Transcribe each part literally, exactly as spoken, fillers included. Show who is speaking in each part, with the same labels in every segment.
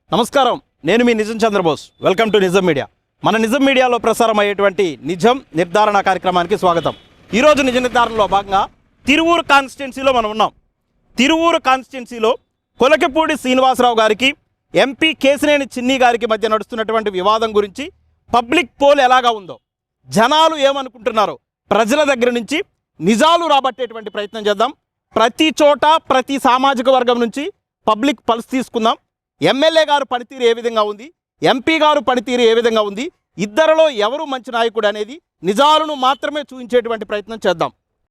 Speaker 1: నమస్కారం, నేను మీ Nijam Chandrabose. Welcome to Nijam media. మన నిజం మీడియాలో ప్రసారం అయ్యేటువంటి నిజం నిర్ధారణ కార్యక్రమానికి స్వాగతం. ఈరోజు నిజ నిర్ధారణలో భాగంగా తిరువూరు కాన్స్టిట్యున్సీలో మనం ఉన్నాం. తిరువూరు కాన్స్టిట్యున్సీలో కొలకపూడి శ్రీనివాసరావు గారికి ఎంపీ కేశినేని చిన్ని గారికి మధ్య నడుస్తున్నటువంటి వివాదం గురించి పబ్లిక్ పోల్ ఎలాగా ఉందో, జనాలు ఏమనుకుంటున్నారో ప్రజల దగ్గర నుంచి నిజాలు రాబట్టేటువంటి ప్రయత్నం చేద్దాం. ప్రతి చోట ప్రతి సామాజిక వర్గం నుంచి పబ్లిక్ పల్స్ తీసుకుందాం. ఎమ్మెల్యే గారు పనితీరు ఏ విధంగా ఉంది, ఎంపీ గారు పనితీరు ఏ విధంగా ఉంది, ఇద్దరిలో ఎవరు మంచి నాయకుడు అనేది నిజాలను మాత్రమే చూపించేటువంటి ప్రయత్నం చేద్దాం.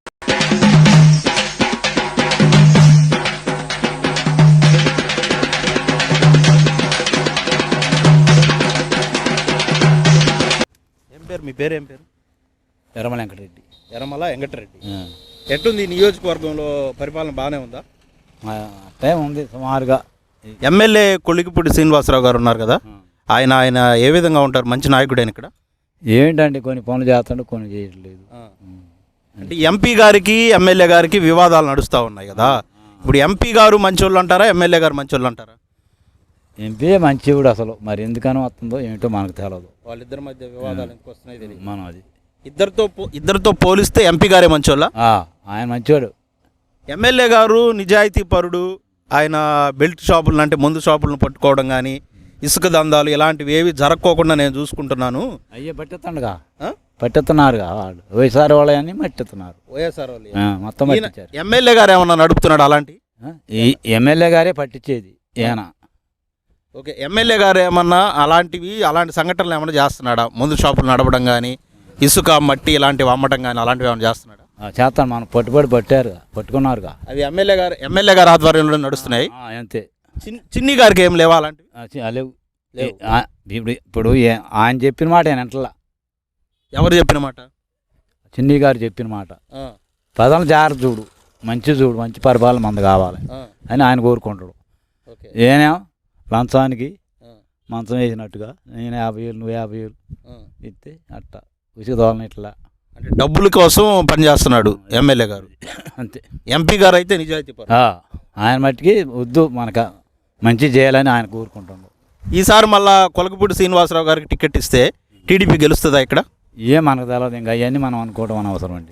Speaker 1: ఏం పేరు మీ పేరు? ఏం పేరు?
Speaker 2: ఎర్రమల వెంకటరెడ్డి.
Speaker 1: ఎర్రమల వెంకటరెడ్డి. ఎట్లుంది నియోజకవర్గంలో పరిపాలన? బాగానే ఉందా?
Speaker 2: టైం ఉంది సుమారుగా.
Speaker 1: ఎమ్మెల్యే కొలికిపూడి శ్రీనివాసరావు గారు ఉన్నారు కదా, ఆయన ఆయన ఏ విధంగా ఉంటారు? మంచి నాయకుడైన ఇక్కడ
Speaker 2: ఏంటంటే కొన్ని పనులు చేస్తాడు, కొన్ని చేయట్లేదు.
Speaker 1: అంటే ఎంపీ గారికి ఎమ్మెల్యే గారికి వివాదాలు నడుస్తూ ఉన్నాయి కదా, ఇప్పుడు ఎంపీ గారు మంచోళ్ళు అంటారా, ఎమ్మెల్యే గారు మంచోళ్ళు అంటారా?
Speaker 2: ఎంపీ మంచివాడు అసలు, మరి ఎందుకని వస్తుందో ఏమిటో మనకు తెలియదు.
Speaker 1: వాళ్ళిద్దరి మధ్య వివాదాలు ఎందుకు వస్తున్నాయి తెలియదు.
Speaker 2: మనం అది
Speaker 1: ఇద్దరితో ఇద్దరితో పోలిస్తే ఎంపీ గారే మంచోళ్ళ?
Speaker 2: ఆయన మంచివాడు.
Speaker 1: ఎమ్మెల్యే గారు నిజాయితీ పరుడు. ఆయన బెల్ట్ షాపులను అంటే మందు షాపులను పట్టుకోవడం కానీ, ఇసుక దందాలు ఇలాంటివి ఏవి జరగకోకుండా నేను చూసుకుంటున్నాను.
Speaker 2: అయ్యే పట్టెత్తండుగా, పట్టెత్తున్నారుగా వాళ్ళు వైఎస్ఆర్ వాళ్ళని పట్టెత్తున్నారు.
Speaker 1: వైఎస్ఆర్ వాళ్ళు
Speaker 2: మొత్తం పట్టించారు.
Speaker 1: ఎమ్మెల్యే గారు ఏమన్నా నడుపుతున్నాడు అలాంటి?
Speaker 2: ఈ ఎమ్మెల్యే గారే పట్టించేది ఈయన.
Speaker 1: ఓకే, ఎమ్మెల్యే గారు ఏమన్నా అలాంటివి అలాంటి సంఘటనలు ఏమన్నా చేస్తున్నాడా? మందు షాపులు నడపడం కానీ, ఇసుక మట్టి ఇలాంటివి అమ్మటం కానీ అలాంటివి ఏమైనా చేస్తున్నాడా?
Speaker 2: చేస్తాను, మనం పట్టుబడి పట్టారుగా, పట్టుకున్నారుగా.
Speaker 1: అవి ఎమ్మెల్యే గారు ఎమ్మెల్యే గారు ఆధ్వర్యంలో నడుస్తున్నాయి.
Speaker 2: అంతే.
Speaker 1: చిన్ని గారికి ఏం లేవా అలాంటివి?
Speaker 2: లేవు. ఇప్పుడు ఇప్పుడు ఆయన చెప్పిన మాట ఆయన ఎంటలా.
Speaker 1: ఎవరు చెప్పిన మాట?
Speaker 2: చిన్ని గారు చెప్పిన మాట. ప్రజలు జాగ్రత్త చూడు, మంచి చూడు, మంచి పరిపాలన మంది కావాలి అని ఆయన కోరుకుంటాడు. ఏనే లంచానికి మంచం వేసినట్టుగా నేను యాభై వేలు నువ్వు యాభై వేలు ఇస్తే అట్ట ఉచిత దోళన ఇట్లా
Speaker 1: అంటే డబ్బుల కోసం పనిచేస్తున్నాడు ఎమ్మెల్యే గారు.
Speaker 2: అంతే.
Speaker 1: ఎంపీ గారు అయితే నిజాయితీ పరుడు.
Speaker 2: ఆయన మట్టికి వద్దు, మనకు మంచి చేయాలని ఆయన కోరుకుంటున్నాడు.
Speaker 1: ఈసారి మళ్ళా కొలకపూడి శ్రీనివాసరావు గారికి టికెట్ ఇస్తే టీడీపీ గెలుస్తుందా ఇక్కడ?
Speaker 2: ఏం మనకు తెలియదు, ఇంకా అవన్నీ మనం అనుకోవడం అనవసరం అండి.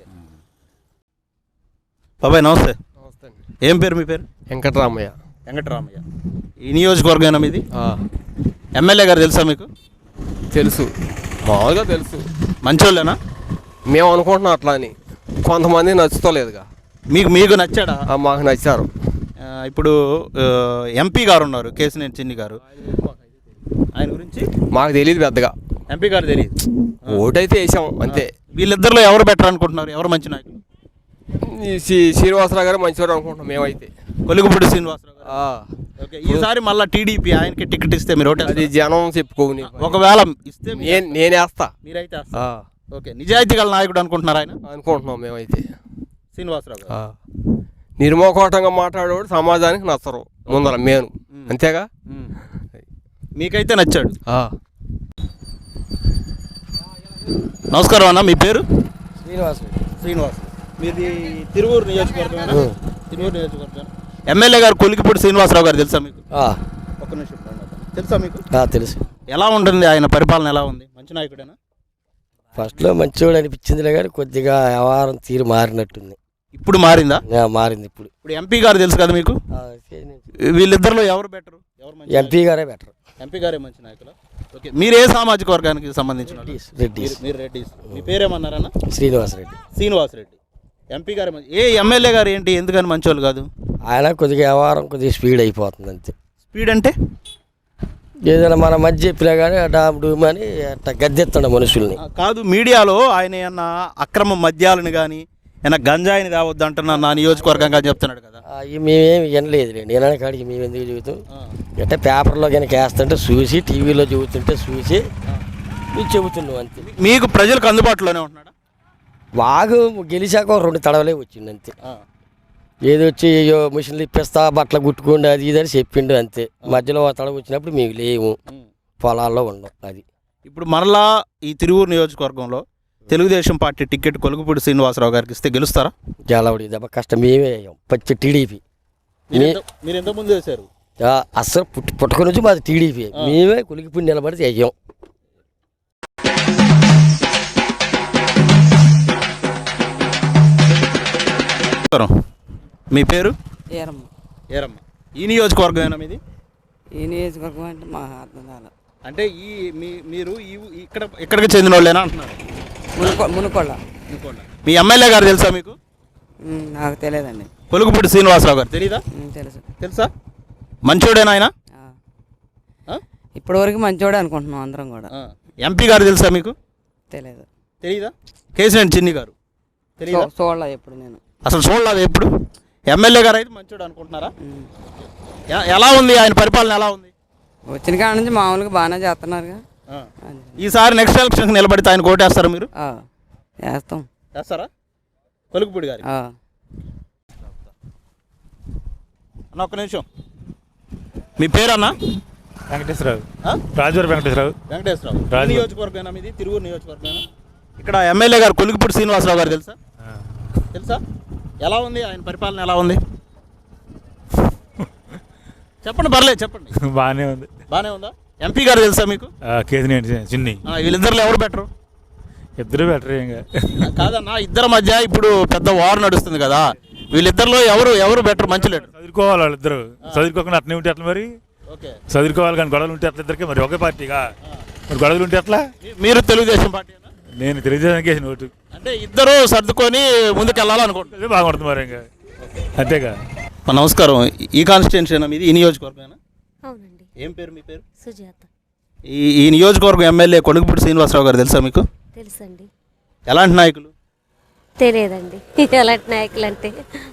Speaker 1: బాబాయ్ నమస్తే.
Speaker 3: నమస్తే అండి.
Speaker 1: ఏం పేరు మీ పేరు?
Speaker 3: వెంకటరామయ్య.
Speaker 1: వెంకటరామయ్య. ఈ నియోజకవర్గం మీది? ఎమ్మెల్యే గారు తెలుసా మీకు?
Speaker 3: తెలుసు, మామూలుగా తెలుసు.
Speaker 1: మంచోళ్ళేనా?
Speaker 3: మేము అనుకుంటున్నాం అట్లా అని, కొంతమంది నచ్చుతలేదుగా.
Speaker 1: మీకు మీకు నచ్చాడా?
Speaker 3: మాకు నచ్చారు.
Speaker 1: ఇప్పుడు ఎంపీ గారు ఉన్నారు కేశినేని చిన్ని గారు, ఆయన గురించి
Speaker 3: మాకు తెలియదు పెద్దగా.
Speaker 1: ఎంపీ గారు తెలియదు.
Speaker 3: ఓటైతే వేసాం అంతే.
Speaker 1: వీళ్ళిద్దరిలో ఎవరు బెటర్ అనుకుంటున్నారు? ఎవరు మంచి నాయకులు?
Speaker 3: శ్రీనివాసరావు గారు మంచివారు అనుకుంటున్నాం మేమైతే.
Speaker 1: కొలికపూడి శ్రీనివాసరావు గారు. ఓకే, ఈసారి మళ్ళీ టీడీపీ ఆయనకి టికెట్ ఇస్తే మీరు ఓటే?
Speaker 3: అది జనం చెప్పుకోని.
Speaker 1: ఒకవేళ ఇస్తే
Speaker 3: నేను నేనేస్తా.
Speaker 1: మీరైతే ఓకే, నిజాయితీ గల నాయకుడు అనుకుంటున్నారు ఆయన?
Speaker 3: అనుకుంటున్నాం మేమైతే.
Speaker 1: శ్రీనివాసరావు గారు
Speaker 3: నిర్మోకోటంగా మాట్లాడేవాడు సమాజానికి నచ్చరు ముందర మేను, అంతేగా.
Speaker 1: మీకైతే నచ్చాడు. నమస్కారం అన్న, మీ పేరు?
Speaker 4: శ్రీనివాస్.
Speaker 1: శ్రీనివాస్. మీది తిరువూరు నియోజకవర్గం? తిరువూరు నియోజకవర్గం. ఎమ్మెల్యే గారు కొలికిపూడి శ్రీనివాసరావు గారు తెలుసా మీకు? ఒక్క నిమిషం తెలుసా మీకు?
Speaker 4: తెలుసు.
Speaker 1: ఎలా ఉంటుంది ఆయన పరిపాలన? ఎలా ఉంది? మంచి నాయకుడేనా?
Speaker 4: ఫస్ట్లో మంచివాడు అనిపించిందిలే కానీ కొద్దిగా వ్యవహారం తీరు మారినట్టుంది.
Speaker 1: ఇప్పుడు మారిందా?
Speaker 4: మారింది ఇప్పుడు.
Speaker 1: ఇప్పుడు ఎంపీ గారు తెలుసు కదా మీకు, వీళ్ళిద్దరిలో ఎవరు బెటర్? ఎవరు?
Speaker 4: ఎంపీ గారే బెటర్.
Speaker 1: ఎంపీ గారే మంచి నాయకులు. ఓకే, మీరు ఏ సామాజిక వర్గానికి సంబంధించిన?
Speaker 4: రెడ్డిస్.
Speaker 1: మీరు రెడ్డిస్. మీ పేరేమన్నారన్న?
Speaker 4: శ్రీనివాస్ రెడ్డి.
Speaker 1: శ్రీనివాస్ రెడ్డి. ఎంపీ గారే మంచి. ఏ ఎమ్మెల్యే గారు ఏంటి ఎందుకని మంచోళ్ళు కాదు?
Speaker 4: ఆయన కొద్దిగా వ్యవహారం కొద్దిగా స్పీడ్ అయిపోతుంది అంతే.
Speaker 1: స్పీడ్ అంటే
Speaker 4: ఏదైనా మన మధ్య చెప్పినా కానీ డామ్ డూమ్ అని అట్లా గద్దెత్తాడు మనుషుల్ని.
Speaker 1: కాదు, మీడియాలో ఆయన ఏమన్నా అక్రమ మద్యాలను కానీ ఏమన్నా గంజాయిని తేవద్దు అంటున్నా నా నియోజకవర్గంగా చెప్తున్నాడు కదా.
Speaker 4: మేమేమి వినలేదు లేండి, వినని కాడికి మేము ఎందుకు చెబుతాం. అంటే పేపర్లో కనుక వేస్తుంటే చూసి, టీవీలో చెబుతుంటే చూసి మేము చెబుతున్నాం అంతే.
Speaker 1: మీకు ప్రజలకు అందుబాటులోనే ఉంటున్నాడా?
Speaker 4: బాగు గెలిచాక రెండు తడవలే వచ్చింది అంతే. ఏది వచ్చి మిషన్లు ఇప్పిస్తా బట్టలు కుట్టుకోండి అది ఇది అని చెప్పిండు అంతే. మధ్యలో తడవ వచ్చినప్పుడు మేము లేము, పొలాల్లో ఉన్నాం. అది
Speaker 1: ఇప్పుడు మరలా ఈ తిరువూరు నియోజకవర్గంలో తెలుగుదేశం పార్టీ టికెట్ కొలుకుపూడి శ్రీనివాసరావు గారికి ఇస్తే గెలుస్తారా?
Speaker 4: గెలవడి దెబ్బ కష్టం. మేమే అయ్యాం పచ్చి టీడీపీ.
Speaker 1: మీరు ఎంతమంది వేశారు?
Speaker 4: ఆ, అస్సలు పుట్టి పుట్టక నుంచి మాది టీడీపీ మేమే కులిగిపోయి నిలబడి చెయ్యం.
Speaker 1: మీ పేరు?
Speaker 5: ఏరమ్మ.
Speaker 1: ఏరమ్మ. ఈ నియోజకవర్గమేనా మీది?
Speaker 5: ఈ నియోజకవర్గం అంటే మా అర్థం కాల.
Speaker 1: అంటే ఈ మీ మీరు ఈ ఇక్కడ ఇక్కడికి చెందిన వాళ్ళేనా అంటున్నారు?
Speaker 5: మునుకొ మునుకొండ.
Speaker 1: మీ ఎమ్మెల్యే గారు తెలుసా మీకు?
Speaker 5: ఉమ్, నాకు తెలియదండి.
Speaker 1: పొలుగుపూడి శ్రీనివాసరావు గారు తెలీదా?
Speaker 5: ఉమ్, తెలుసు.
Speaker 1: తెలుసా? మంచోడేనా ఆయన?
Speaker 5: ఆ. ఇప్పటి వరకు మంచోడే అనుకుంటున్నాం అందరం కూడా.
Speaker 1: ఎంపీ గారు తెలుసా మీకు?
Speaker 5: తెలియదు.
Speaker 1: తెలీదా? కేసీఆర్ చిన్ని గారు తెలీదా?
Speaker 5: చూడలే ఎప్పుడు నేను.
Speaker 1: అసలు చూడలేదు ఎప్పుడు. ఎమ్మెల్యే గారు అయితే మంచోడు అనుకుంటున్నారా?
Speaker 5: ఉమ్.
Speaker 1: ఎ- ఎలా ఉంది ఆయన పరిపాలన? ఎలా ఉంది?
Speaker 5: వచ్చిన కాడ నుంచి మామూలుగా బాగానే చేస్తున్నారుగా. అది.
Speaker 1: ఈసారి నెక్స్ట్ ఎలక్షన్కి నిలబడితే ఆయన కోటేస్తారు మీరు?
Speaker 5: ఆ, వేస్తాం.
Speaker 1: వేస్తారా? పొలుగుపూడి గారి
Speaker 5: ఆ.
Speaker 1: అన్న ఒక్క నిమిషం. మీ పేరన్నా?
Speaker 6: వెంకటేశ్వరరావు.
Speaker 1: ఆ?
Speaker 6: రాజూరు వెంకటేశ్వరరావు.
Speaker 1: వెంకటేశ్వరరావు.
Speaker 6: రాజు.
Speaker 1: నియోజకవర్గమేనా మీది? తిరువూరు నియోజకవర్గమేనా? ఇక్కడ ఎమ్మెల్యే గారు కొలుగుపూడి శ్రీనివాసరావు గారు తెలుసా? తెలుసా? ఎలా ఉంది ఆయన పరిపాలన? ఎలా ఉంది చెప్పండి, పర్లేదు చెప్పండి.
Speaker 6: బాగానే ఉంది.
Speaker 1: బాగానే ఉందా? ఎంపీ గారు తెలుసా మీకు?
Speaker 6: కేసీనేని చిన్ని.
Speaker 1: ఆ, వీళ్ళిద్దరిలో ఎవరు బెటరు?
Speaker 6: ఇద్దరు బెటర్ ఇంకా.
Speaker 1: కాదన్నా, ఇద్దరి మధ్య ఇప్పుడు పెద్ద వార్ నడుస్తుంది కదా, వీళ్ళిద్దరిలో ఎవరు ఎవరు బెటర్? మంచి లీడర్.
Speaker 6: చదువుకోవాలి వాళ్ళిద్దరు. చదువుకోకుండా అట్నే ఉంటే అట్లా మరి.
Speaker 1: ఓకే.
Speaker 6: చదువుకోవాలి కానీ గొడవలు ఉంటే అట్లా ఇద్దరికి మరి ఒకే పార్టీగా మరి గొడవలు ఉంటే అట్లా.
Speaker 1: మీ- మీరు తెలుగుదేశం పార్టీ?
Speaker 6: నేను తెలుగుదేశానికి వేసిన ఓటు.
Speaker 1: అంటే ఇద్దరు సర్దుకొని ముందుకు వెళ్ళాలనుకుంటున్నారు.
Speaker 6: అదే బాగుంటుంది మరి ఇంకా అంతేగా.
Speaker 1: నమస్కారం. ఈ కాన్స్టిట్యున్సీ మీది? ఈ నియోజకవర్గమేనా?
Speaker 7: అవునండి.
Speaker 1: ఏం పేరు మీ పేరు?
Speaker 7: సుజాత.
Speaker 1: ఈ ఈ నియోజకవర్గం ఎమ్మెల్యే కొలుగుపూడి శ్రీనివాసరావు గారు తెలుసా మీకు?
Speaker 7: తెలుసండి.
Speaker 1: ఎలాంటి నాయకులు?
Speaker 7: తెలియదండి. ఎలాంటి నాయకులు అంటే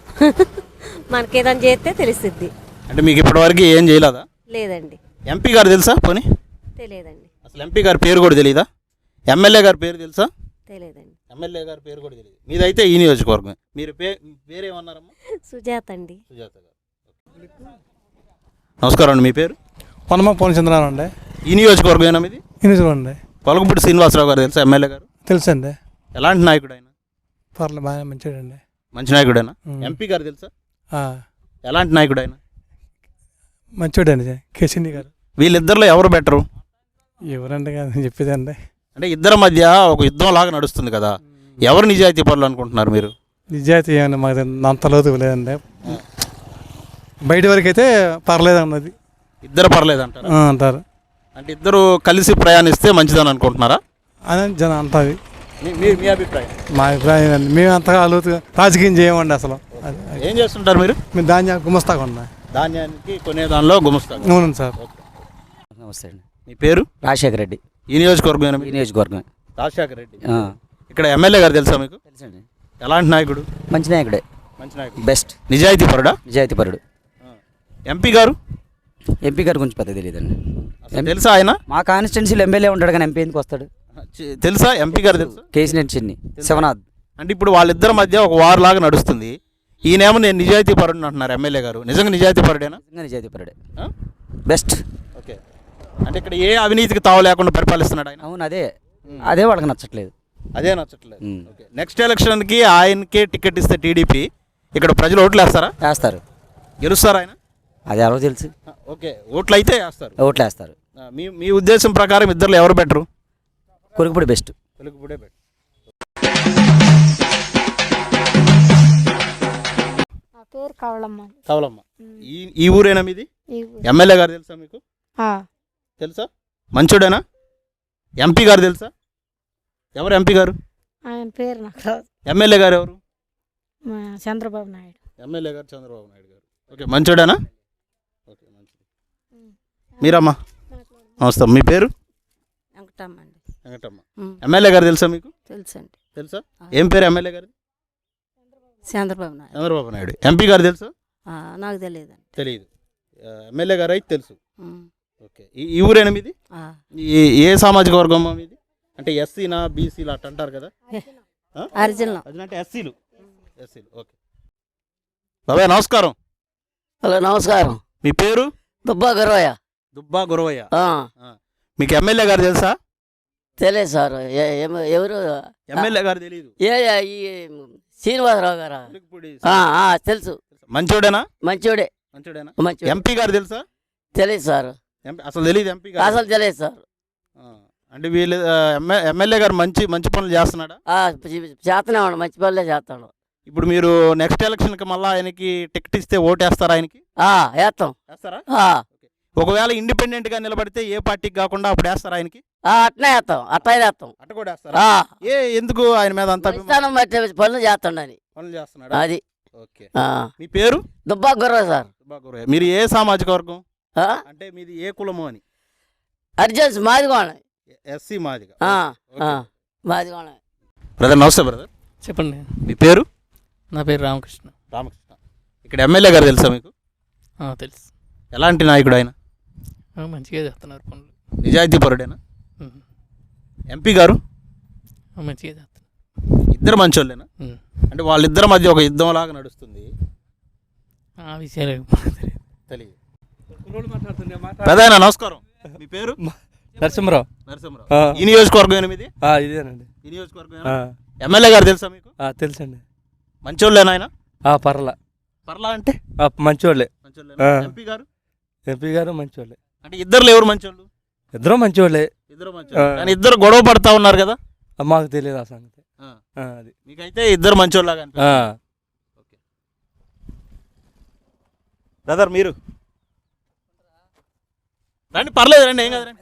Speaker 7: మనకేదైనా చేస్తే తెలుస్తుంది.
Speaker 1: అంటే మీకు ఇప్పటివరకు ఏం చేయలేదా?
Speaker 7: లేదండి.
Speaker 1: ఎంపీ గారు తెలుసా పోనీ?
Speaker 7: తెలియదండి.
Speaker 1: అసలు ఎంపీ గారి పేరు కూడా తెలియదా? ఎమ్మెల్యే గారి పేరు తెలుసా?
Speaker 7: తెలియదండి.
Speaker 1: ఎమ్మెల్యే గారి పేరు కూడా తెలియదు. మీదైతే ఈ నియోజకవర్గం. మీరు పే పేరేమన్నారమ్మా?
Speaker 7: సుజాత అండి.
Speaker 1: సుజాత గారు. నమస్కారం అండి. మీ పేరు?
Speaker 8: పొన్నమ్మ పూర్ణచంద్రరావు అండి.
Speaker 1: ఈ నియోజకవర్గమేనా మీది?
Speaker 8: ఇనిసుకోండి.
Speaker 1: కొలగపూడి శ్రీనివాసరావు గారు తెలుసా ఎమ్మెల్యే గారు?
Speaker 8: తెలుసండి.
Speaker 1: ఎలాంటి నాయకుడు ఆయన?
Speaker 8: పర్లేదు బాగా మంచిదండి.
Speaker 1: మంచి నాయకుడైనా?
Speaker 8: ఉమ్.
Speaker 1: ఎంపీ గారు తెలుసా?
Speaker 8: ఆ,
Speaker 1: ఎలాంటి నాయకుడు ఆయన?
Speaker 8: మంచివాడండి కేసీని గారు.
Speaker 1: వీళ్ళిద్దరిలో ఎవరు బెటరు?
Speaker 8: ఎవరండి కాదు చెప్పేదండి.
Speaker 1: అంటే ఇద్దరి మధ్య ఒక యుద్ధం లాగా నడుస్తుంది కదా, ఎవరు నిజాయితీ పరులు అనుకుంటున్నారు మీరు?
Speaker 8: నిజాయితీ ఏమన్నా మాకు అంత లోతు లేదండి. బయట వరకు అయితే పర్లేదు అన్నది.
Speaker 1: ఇద్దరు పర్లేదు అంటారు.
Speaker 8: ఆ, అంటారు.
Speaker 1: అంటే ఇద్దరు కలిసి ప్రయాణిస్తే మంచిదని అనుకుంటున్నారా?
Speaker 8: అని జనం అంటుంది.
Speaker 1: మీ- మీ మీ అభిప్రాయం?
Speaker 8: మా అభిప్రాయం అండి. మేము అంతగా లోతు రాజకీయం చేయమండి అసలు. అది- అది.
Speaker 1: ఏం చేస్తుంటారు మీరు?
Speaker 8: మేము ధాన్యం గుమస్తాగా ఉన్నా.
Speaker 1: ధాన్యానికి కొనే దానిలో గుమస్తారు.
Speaker 8: అవునండి సార్.
Speaker 9: నమస్తే అండి.
Speaker 1: మీ పేరు?
Speaker 9: రాజశేఖర రెడ్డి.
Speaker 1: ఈ నియోజకవర్గం?
Speaker 9: ఈ నియోజకవర్గం.
Speaker 1: రాజశేఖర రెడ్డి.
Speaker 9: ఆ,
Speaker 1: ఇక్కడ ఎమ్మెల్యే గారు తెలుసా మీకు?
Speaker 9: తెలుసండి.
Speaker 1: ఎలాంటి నాయకుడు?
Speaker 9: మంచి నాయకుడే.
Speaker 1: మంచి నాయకుడు.
Speaker 9: బెస్ట్.
Speaker 1: నిజాయితీ పరుడా?
Speaker 9: నిజాయితీపరుడు.
Speaker 1: ఎంపీ గారు?
Speaker 9: ఎంపీ గారి గురించి పెద్ద తెలియదండి.
Speaker 1: అసలు తెలుసా ఆయన?
Speaker 9: మా కాన్స్టిట్యున్సీలో ఎమ్మెల్యే ఉంటాడు కానీ ఎంపీ ఎందుకు వస్తాడు?
Speaker 1: చి- తెలుసా ఎంపీ గారు? తెలుసా?
Speaker 9: కేసీనేని చిన్ని శివనాథ్.
Speaker 1: అంటే ఇప్పుడు వాళ్ళిద్దరి మధ్య ఒక వార్ లాగా నడుస్తుంది. ఈయనేమో నేను నిజాయితీ పరుడు అంటున్నారు ఎమ్మెల్యే గారు. నిజంగా నిజాయితీ పరుడేనా?
Speaker 9: నిజంగా నిజాయితీపరుడే.
Speaker 1: ఆ?
Speaker 9: బెస్ట్.
Speaker 1: ఓకే. అంటే ఇక్కడ ఏ అవినీతికి తావు లేకుండా పరిపాలిస్తున్నాడు ఆయన.
Speaker 9: అవును, అదే అదే వాళ్ళకి నచ్చట్లేదు.
Speaker 1: అదే నచ్చట్లేదు.
Speaker 9: ఉమ్.
Speaker 1: ఓకే. నెక్స్ట్ ఎలక్షన్కి ఆయనకే టికెట్ ఇస్తే టీడీపీ ఇక్కడ ప్రజలు ఓట్లు వేస్తారా?
Speaker 9: వేస్తారు.
Speaker 1: గెలుస్తారా ఆయన?
Speaker 9: అది ఎవరో తెలుసు.
Speaker 1: ఆ, ఓకే. ఓట్లు అయితే వేస్తారు.
Speaker 9: ఓట్లు వేస్తారు.
Speaker 1: ఆ, మీ మీ ఉద్దేశం ప్రకారం ఇద్దరు ఎవరు బెటరు?
Speaker 9: కొరుకుపూడి బెస్ట్.
Speaker 1: తెలుగుపుడే బెటర్.
Speaker 10: నా పేరు కవలమ్మ.
Speaker 1: కవలమ్మ. ఈ ఈ ఊరేనా మీది?
Speaker 10: ఈ ఊరు.
Speaker 1: ఎమ్మెల్యే గారు తెలుసా మీకు?
Speaker 10: ఆ,
Speaker 1: తెలుసా? మంచోడేనా? ఎంపీ గారు తెలుసా? ఎవరు ఎంపీ గారు?
Speaker 10: ఆయన పేరు నాకు రాదు.
Speaker 1: ఎమ్మెల్యే గారు ఎవరు?
Speaker 10: మా చంద్రబాబు నాయుడు.
Speaker 1: ఎమ్మెల్యే గారు చంద్రబాబు నాయుడు గారు. ఓకే. మంచోడేనా? ఓకే. మంచిది. మీరమ్మా? నమస్తే. మీ పేరు?
Speaker 7: వెంకటమ్మ అండి.
Speaker 1: వెంకటమ్మ.
Speaker 7: ఉమ్.
Speaker 1: ఎమ్మెల్యే గారు తెలుసా మీకు?
Speaker 7: తెలుసండి.
Speaker 1: తెలుసా? ఏం పేరు ఎమ్మెల్యే గారు?
Speaker 7: చంద్రబాబు నాయుడు.
Speaker 1: చంద్రబాబు నాయుడు. ఎంపీ గారు తెలుసా?
Speaker 7: ఆ, నాకు తెలియదండి.
Speaker 1: తెలియదు. ఎమ్మెల్యే గారు అయితే తెలుసు.
Speaker 7: ఉమ్.
Speaker 1: ఓకే. ఈ ఈ ఊరేనా మీది?
Speaker 7: ఆ.
Speaker 1: ఈ ఏ సామాజిక వర్గం మీది? అంటే ఎస్సీనా బీసీలా అట్ట అంటారు కదా? ఆ?
Speaker 7: అరిజినల్.
Speaker 1: అది అంటే ఎస్సీలు. ఎస్సీలు. ఓకే. బాబాయ్ నమస్కారం.
Speaker 4: హలో నమస్కారం.
Speaker 1: మీ పేరు?
Speaker 4: దుబ్బా గర్వయ్య.
Speaker 1: దుబ్బా గురవయ్య. మీకు ఎమ్మెల్యే గారు తెలుసా?
Speaker 4: తెలియదు సార్. ఎవరు
Speaker 1: ఎమ్మెల్యే గారు తెలియదు.
Speaker 4: ఏ ఈ శ్రీనివాసరావు గారా?
Speaker 1: తెలుగుపూడి.
Speaker 4: తెలుసు.
Speaker 1: మంచోడేనా?
Speaker 4: మంచోడే.
Speaker 1: మంచోడేనా?
Speaker 4: మంచోడే.
Speaker 1: ఎంపీ గారు తెలుసా?
Speaker 4: తెలియదు సార్,
Speaker 1: ఎంపీ అసలు తెలియదు ఎంపీ గారు
Speaker 4: అసలు తెలియదు సార్.
Speaker 1: ఆ, అంటే వీళ్ళు ఆ, ఎమ్మె- ఎమ్మెల్యే గారు మంచి మంచి పనులు చేస్తున్నాడా?
Speaker 4: చేతనే ఉన్నాడు, మంచి పనులే చేస్తాడు.
Speaker 1: ఇప్పుడు మీరు నెక్స్ట్ ఎలక్షన్కి మళ్ళీ ఆయనకి టికెట్ ఇస్తే ఓటేస్తారా ఆయనకి?
Speaker 4: వేస్తాం.
Speaker 1: వేస్తారా? ఒకవేళ ఇండిపెండెంట్ గా నిలబడితే ఏ పార్టీకి కాకుండా అప్పుడు వేస్తారా ఆయనకి?
Speaker 4: అట్నే వేస్తాం, అట్లా వేస్తాం.
Speaker 1: అట్ట కూడా వేస్తారా? ఏ ఎందుకు ఆయన మీద అంత అభిమానం?
Speaker 4: ఇస్తానం బట్టి పనులు చేస్తుండని
Speaker 1: పనులు చేస్తున్నాడా?
Speaker 4: అది.
Speaker 1: ఓకే. మీ పేరు?
Speaker 4: దుబ్బా గుర్ర సార్.
Speaker 1: దుబ్బా గురయ్య. మీరు ఏ సామాజిక వర్గం? అంటే మీది ఏ కులము అని?
Speaker 4: అర్జెన్స్ మాదిగోణ.
Speaker 1: ఎస్సీ మాదిగ.
Speaker 4: మాదిగోణ.
Speaker 1: బ్రదర్ నమస్తే బ్రదర్.
Speaker 11: చెప్పండి.
Speaker 1: మీ పేరు?
Speaker 11: నా పేరు రామకృష్ణ.
Speaker 1: రామకృష్ణ. ఇక్కడ ఎమ్మెల్యే గారు తెలుసా మీకు?
Speaker 11: తెలుసు.
Speaker 1: ఎలాంటి నాయకుడు ఆయన?
Speaker 11: మంచిగా చేస్తున్నారు పనులు.
Speaker 1: నిజాయితీ పరుడేనా? ఎంపీ గారు
Speaker 11: మంచిగా చేస్తున్నారు.
Speaker 1: ఇద్దరు మంచోళ్ళేనా? అంటే వాళ్ళిద్దరి మధ్య ఒక యుద్ధం లాగా నడుస్తుంది.
Speaker 11: ఆ విషయాలు
Speaker 1: తెలియదు. పెదాయన నమస్కారం. మీ పేరు?
Speaker 8: నరసింహరావు.
Speaker 1: నరసింహరావు. ఈ నియోజకవర్గం ఎనిమిది?
Speaker 8: ఇదేనండి.
Speaker 1: ఈ నియోజకవర్గం ఎమ్మెల్యే గారు తెలుసా మీకు?
Speaker 8: తెలుసండి.
Speaker 1: మంచోళ్ళేనా ఆయన?
Speaker 8: పర్లా.
Speaker 1: పర్లా అంటే
Speaker 8: మంచోళ్ళే.
Speaker 1: ఎంపీ గారు?
Speaker 8: ఎంపీ గారు మంచోళ్ళే.
Speaker 1: అంటే ఇద్దరు ఎవరు మంచోళ్ళు?
Speaker 8: ఇద్దరు మంచోళ్ళే.
Speaker 1: ఇద్దరు మంచోళ్ళు. కానీ ఇద్దరు గొడవ పడతా ఉన్నారు కదా?
Speaker 8: మాకు తెలియదు ఆ సంగతి. అది
Speaker 1: మీకైతే ఇద్దరు మంచోళ్ళగా అనిపిస్తుంది. బ్రదర్ మీరు రండి, పర్లేదు రండి, ఏం కాదు.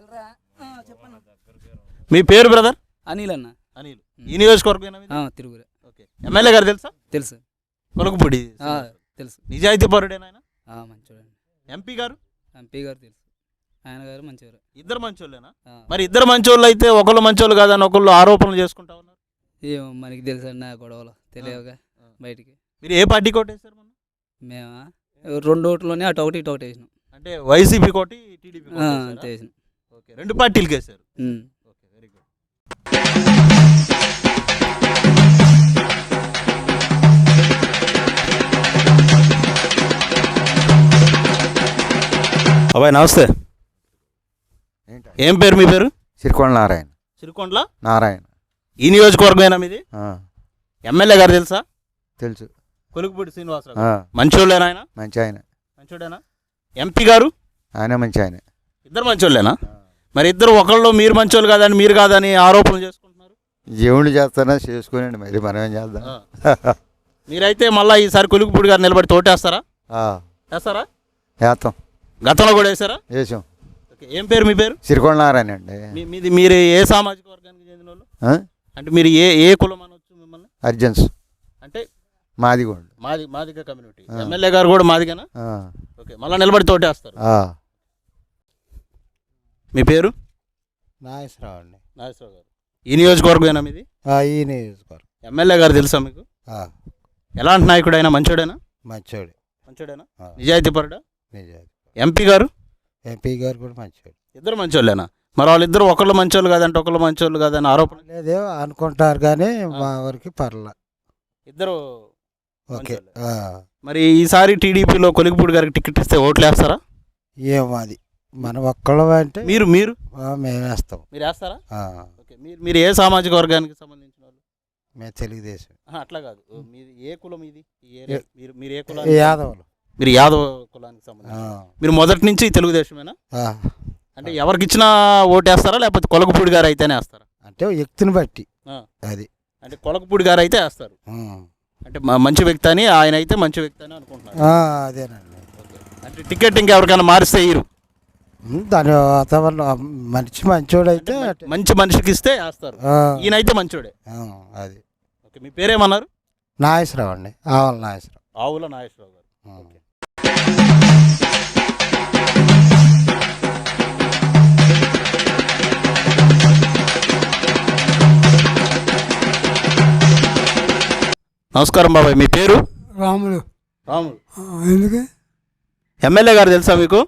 Speaker 1: మీ పేరు బ్రదర్?
Speaker 9: అనిల్ అన్న.
Speaker 1: అనిల్. ఈ నియోజకవర్గం
Speaker 9: తిరుగురే.
Speaker 1: ఓకే. ఎమ్మెల్యే గారు తెలుసా?
Speaker 9: తెలుసు.
Speaker 1: కొలకపూడి
Speaker 9: తెలుసు.
Speaker 1: నిజాయితీ పరుడేనా ఆయన?
Speaker 9: మంచోడండి.
Speaker 1: ఎంపీ గారు?
Speaker 9: ఎంపీ గారు తెలుసు, ఆయన గారు మంచివారు.
Speaker 1: ఇద్దరు మంచోళ్ళేనా? మరి ఇద్దరు మంచోళ్ళు అయితే ఒకళ్ళు మంచోళ్ళు కాదని ఒకళ్ళు ఆరోపణలు చేసుకుంటా ఉన్నారు.
Speaker 9: ఏమో మనకి తెలుసు అన్న, గొడవలు తెలియవుగా బయటికి.
Speaker 1: మీరు ఏ పార్టీ కోటేశారు మొన్న?
Speaker 9: మేమా రెండు ఓట్లోనే అటు ఒకటి ఇటు ఒకటి వేసినాం.
Speaker 1: అంటే వైసీపీ కోటి టీడీపీ
Speaker 9: అంతే వేసినాం.
Speaker 1: ఓకే. రెండు పార్టీలకి వేశారు. Okay, very good. అబ్బాయి నమస్తే. ఏం పేరు మీ పేరు?
Speaker 12: సిరికొండ నారాయణ.
Speaker 1: సిరికొండల
Speaker 12: నారాయణ.
Speaker 1: ఈ నియోజకవర్గమేనా మీది? ఎమ్మెల్యే గారు తెలుసా?
Speaker 12: తెలుసు.
Speaker 1: కొలుకుపూడి శ్రీనివాసరావు. మంచోళ్ళేనా ఆయన?
Speaker 12: మంచి ఆయన.
Speaker 1: మంచోడేనా? ఎంపీ గారు?
Speaker 12: ఆయన మంచి ఆయన.
Speaker 1: ఇద్దరు మంచోళ్ళేనా? మరి ఇద్దరు ఒకళ్ళు మీరు మంచోళ్ళు కాదని మీరు కాదని ఆరోపణలు చేసుకుంటున్నారు.
Speaker 12: దేవుళ్ళు చేస్తారా చేసుకోనండి, మరి మనం ఏం చేద్దాం.
Speaker 1: మీరైతే మళ్ళీ ఈసారి కొలుకుపూడి గారు నిలబడి తోటేస్తారా? వేస్తారా?
Speaker 12: వేస్తాం.
Speaker 1: గతంలో కూడా వేసారా?
Speaker 12: వేసాం.
Speaker 1: ఏం పేరు మీ పేరు?
Speaker 12: సిరికొండ నారాయణ అండి.
Speaker 1: మీది మీరు ఏ సామాజిక వర్గానికి చెందిన వాళ్ళు? అంటే మీరు ఏ ఏ కులం అనొచ్చు మిమ్మల్ని?
Speaker 12: అర్జెన్స్.
Speaker 1: అంటే
Speaker 12: మాదిగోండు.
Speaker 1: మాది మాదిగ కమ్యూనిటీ. ఎమ్మెల్యే గారు కూడా మాదిగనా? ఓకే. మళ్ళీ నిలబడి తోటేస్తారు. మీ పేరు?
Speaker 13: నాగేశ్వరరావు అండి.
Speaker 1: నాగేశ్వరరావు గారు. ఈ నియోజకవర్గమేనా మీది?
Speaker 13: ఈ నియోజకవర్గం.
Speaker 1: ఎమ్మెల్యే గారు తెలుసా మీకు? ఎలాంటి నాయకుడు అయినా? మంచోడేనా?
Speaker 13: మంచోడు.
Speaker 1: మంచోడేనా? నిజాయితీ పరుడా?
Speaker 13: నిజాయితీ.
Speaker 1: ఎంపీ గారు?
Speaker 13: ఎంపీ గారు కూడా మంచోడు.
Speaker 1: ఇద్దరు మంచోళ్ళేనా? మరి వాళ్ళిద్దరు ఒకళ్ళు మంచోళ్ళు కాదంటే ఒకళ్ళు మంచోళ్ళు కాదని ఆరోపణ
Speaker 13: లేదే అనుకుంటారు, కానీ మా వరకు పర్లా
Speaker 1: ఇద్దరు.
Speaker 13: ఓకే.
Speaker 1: మరి ఈసారి టీడీపీలో కొలిగిపూడి గారికి టికెట్ ఇస్తే ఓట్లు వేస్తారా?
Speaker 13: ఏమో అది మన ఒక్కళ్ళు అంటే
Speaker 1: మీరు మీరు
Speaker 13: మేము వేస్తాం.
Speaker 1: మీరు వేస్తారా? ఓకే. మీరు మీరు ఏ సామాజిక వర్గానికి సంబంధించిన వాళ్ళు?
Speaker 13: మేము తెలుగుదేశం.
Speaker 1: అట్లా కాదు, మీది ఏ కులం? ఇది మీరు మీరు ఏ కులం?
Speaker 13: యాదవులు.
Speaker 1: మీరు యాదవ కులానికి సంబంధించిన. మీరు మొదటి నుంచి తెలుగుదేశమేనా? అంటే ఎవరికి ఇచ్చినా ఓటేస్తారా లేకపోతే కొలకపూడి గారు అయితేనే వేస్తారా?
Speaker 13: అంటే వ్యక్తిని బట్టి అది.
Speaker 1: అంటే కొలకపూడి గారు అయితే వేస్తారు. అంటే మంచి వ్యక్తి అని, ఆయన అయితే మంచి వ్యక్తి అని అనుకుంటున్నారు.
Speaker 13: అదేనండి.
Speaker 1: అంటే టికెట్ ఇంకెవరికైనా మారిస్తే ఇరు
Speaker 13: దాని వాతావరణం మంచి మంచోడు అయితే
Speaker 1: మంచి మనిషికి ఇస్తే వేస్తారు. ఈయనైతే మంచోడే.
Speaker 13: అది.
Speaker 1: ఓకే. మీ పేరేమన్నారు?
Speaker 13: నాగేశ్వరరావు అండి. ఆవుల నాగేశ్వరరావు.
Speaker 1: ఆవుల నాగేశ్వరరావు గారు. నమస్కారం బాబాయ్. మీ పేరు?
Speaker 14: రాములు.
Speaker 1: రాములు.
Speaker 14: ఎందుకు?
Speaker 1: ఎమ్మెల్యే గారు తెలుసా మీకు?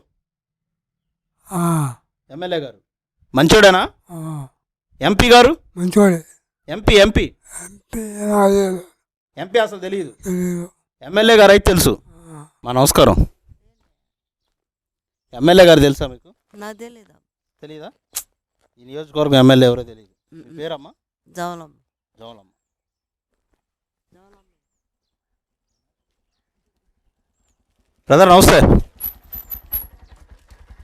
Speaker 1: ఎమ్మెల్యే గారు మంచోడేనా? ఎంపీ గారు?
Speaker 14: మంచోడే.
Speaker 1: ఎంపీ ఎంపీ ఎంపీ అసలు తెలియదు. ఎమ్మెల్యే గారు అయితే తెలుసు. మా నమస్కారం. ఎమ్మెల్యే గారు తెలుసా మీకు?
Speaker 5: నాకు తెలీదు.
Speaker 1: తెలీదా? ఈ నియోజకవర్గం ఎమ్మెల్యే ఎవరో తెలియదు. పేరమ్మా?
Speaker 5: జవలమ్మ.
Speaker 1: జవలమ్మ. బ్రదర్ నమస్తే.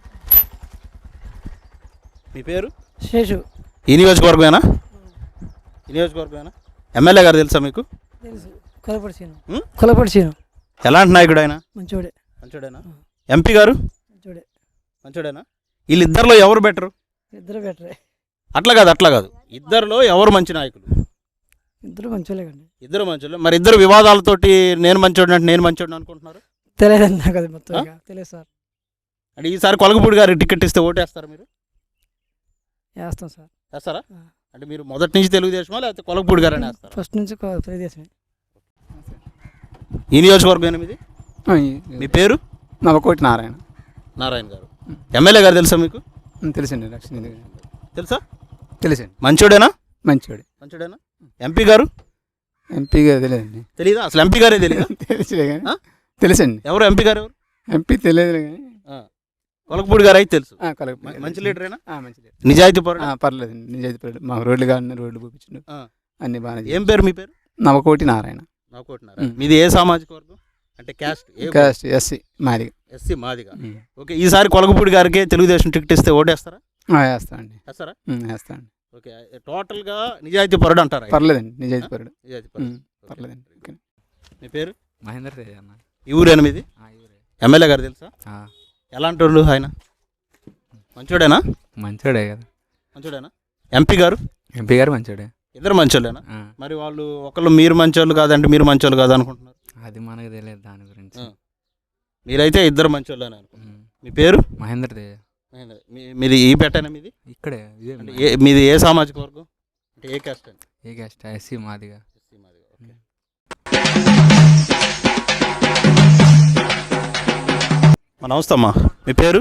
Speaker 1: మీ పేరు?
Speaker 10: శేషు.
Speaker 1: ఈ నియోజకవర్గమేనా? ఈ నియోజకవర్గమేనా? ఎమ్మెల్యే గారు తెలుసా మీకు?
Speaker 10: తెలుసు. కొలపడిసీను. కొలపడిసీను.
Speaker 1: ఎలాంటి నాయకుడు ఆయన?
Speaker 10: మంచోడే.
Speaker 1: మంచోడేనా? ఎంపీ గారు?
Speaker 10: మంచోడే.
Speaker 1: మంచోడేనా? వీళ్ళిద్దరిలో ఎవరు బెటరు?
Speaker 10: ఇద్దరు బెటరే.
Speaker 1: అట్లా కాదు అట్లా కాదు ఇద్దరిలో ఎవరు మంచి నాయకులు?
Speaker 10: ఇద్దరు మంచోలే కండి.
Speaker 1: ఇద్దరు మంచోళ్ళు. మరి ఇద్దరు వివాదాలతోటి నేను మంచోడు అంటే నేను మంచోడు అనుకుంటున్నారు.
Speaker 10: తెలియదు నాకు అది మొత్తం తెలియదు సార్.
Speaker 1: అంటే ఈసారి కొలగపూడి గారికి టికెట్ ఇస్తే ఓటేస్తారా మీరు?
Speaker 10: వేస్తాం సార్.
Speaker 1: వేస్తారా? అంటే మీరు మొదటి నుంచి తెలుగుదేశమా లేకపోతే కొలగపూడి గారని వేస్తారా?
Speaker 10: ఫస్ట్ నుంచి తెలుగుదేశమే.
Speaker 1: ఈ నియోజకవర్గం ఎనిమిది. మీ పేరు?
Speaker 9: నవకోటి నారాయణ.
Speaker 1: నారాయణ గారు. ఎమ్మెల్యే గారు తెలుసా మీకు?
Speaker 9: తెలుసండి. లక్ష్మీ
Speaker 1: తెలుసా?
Speaker 9: తెలుసండి.
Speaker 1: మంచోడేనా?
Speaker 9: మంచోడే.
Speaker 1: మంచోడేనా? ఎంపీ గారు?
Speaker 9: ఎంపీ గారు తెలియదండి.
Speaker 1: తెలీదా? అసలు ఎంపీ గారే తెలియదా?
Speaker 9: తెలుసులే కానీ తెలుసండి.
Speaker 1: ఎవరు ఎంపీ గారు? ఎవరు
Speaker 9: ఎంపీ తెలియదు కానీ
Speaker 1: కొలగపూడి గారు అయితే తెలుసు.
Speaker 9: కలగ
Speaker 1: మంచి లీడరేనా?
Speaker 9: మంచి లీడర్.
Speaker 1: నిజాయితీ పరుడు?
Speaker 9: పర్లేదు నిజాయితీ పరుడు. మాకు రోడ్లు కావాలి, రోడ్లు చూపించండు. అన్ని బాగా.
Speaker 1: ఏం పేరు మీ పేరు?
Speaker 9: నవకోటి నారాయణ.
Speaker 1: నవకోటి నారాయణ. మీది ఏ సామాజిక వర్గం? అంటే caste?
Speaker 9: Caste SC Madiga.
Speaker 1: SC Madiga. Okay. ఈసారి కొలగపూడి గారికి తెలుగుదేశం టికెట్ ఇస్తే ఓటేస్తారా?
Speaker 9: వేస్తామండి.
Speaker 1: వేస్తారా?
Speaker 9: వేస్తామండి.
Speaker 1: ఓకే. టోటల్గా నిజాయితీ పరుడు అంటారా?
Speaker 9: పర్లేదండి. నిజాయితీ పరుడు.
Speaker 1: నిజాయితీ పరుడు.
Speaker 9: పర్లేదండి.
Speaker 1: మీ పేరు?
Speaker 9: మహేందర్ తేజ అన్న.
Speaker 1: ఈ ఊరు ఎనిమిది. ఎమ్మెల్యే గారు తెలుసా? ఎలాంటి వాళ్ళు ఆయన? మంచోడేనా?
Speaker 9: మంచోడే కదా.
Speaker 1: మంచోడేనా? ఎంపీ గారు?
Speaker 9: ఎంపీ గారు మంచోడే.
Speaker 1: ఇద్దరు మంచోళ్ళేనా? మరి వాళ్ళు ఒకళ్ళు మీరు మంచోళ్ళు కాదంటే మీరు మంచోళ్ళు కాదు అనుకుంటున్నారు.
Speaker 9: అది మనకు తెలియదు దాని గురించి.
Speaker 1: మీరైతే ఇద్దరు మంచోళ్ళని అనుకుంటున్నారు. మీ పేరు?
Speaker 9: మహేందర్ తేజ.
Speaker 1: మీది ఈ పెట్టేనా? మీది
Speaker 9: ఇక్కడే.
Speaker 1: మీది ఏ సామాజిక వర్గం? అంటే ఏ క్యాస్ట్ అండి?
Speaker 9: ఏ caste? SC Madiga.
Speaker 1: SC Madiga. Okay. నమస్తే అమ్మా. మీ పేరు?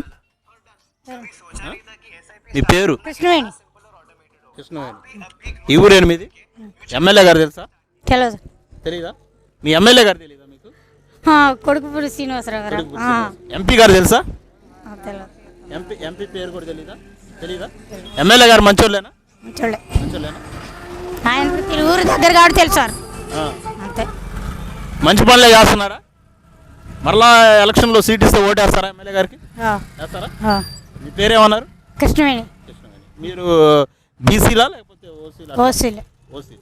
Speaker 1: మీ పేరు?
Speaker 10: కృష్ణవేణి.
Speaker 1: కృష్ణవేణి. ఈ ఊరు ఎనిమిది. ఎమ్మెల్యే గారు తెలుసా?
Speaker 10: తెలియదు.
Speaker 1: తెలీదా? మీ ఎమ్మెల్యే గారు తెలీదా మీకు?
Speaker 10: కొడుకుపూడి శ్రీనివాసరావు గారు.
Speaker 1: ఎంపీ గారు తెలుసా?
Speaker 10: తెలియదు.
Speaker 1: ఎంపీ ఎంపీ పేరు కూడా తెలీదా? తెలీదా? ఎమ్మెల్యే గారు మంచోళ్ళేనా?
Speaker 10: మంచోళ్ళే.
Speaker 1: మంచోళ్ళేనా?
Speaker 10: ఆయన ఊరు దగ్గర కాబట్టి తెలుసు సార్. అంతే.
Speaker 1: మంచి పనులే చేస్తున్నారా? మరలా ఎలక్షన్లో సీట్ ఇస్తే ఓటేస్తారా ఎమ్మెల్యే గారికి? వేస్తారా? మీ పేరేమన్నారు?
Speaker 10: కృష్ణవేణి.
Speaker 1: కృష్ణవేణి. మీరు బీసీలా లేకపోతే ఓసీలా?
Speaker 10: ఓసీలే.
Speaker 1: ఓసీ.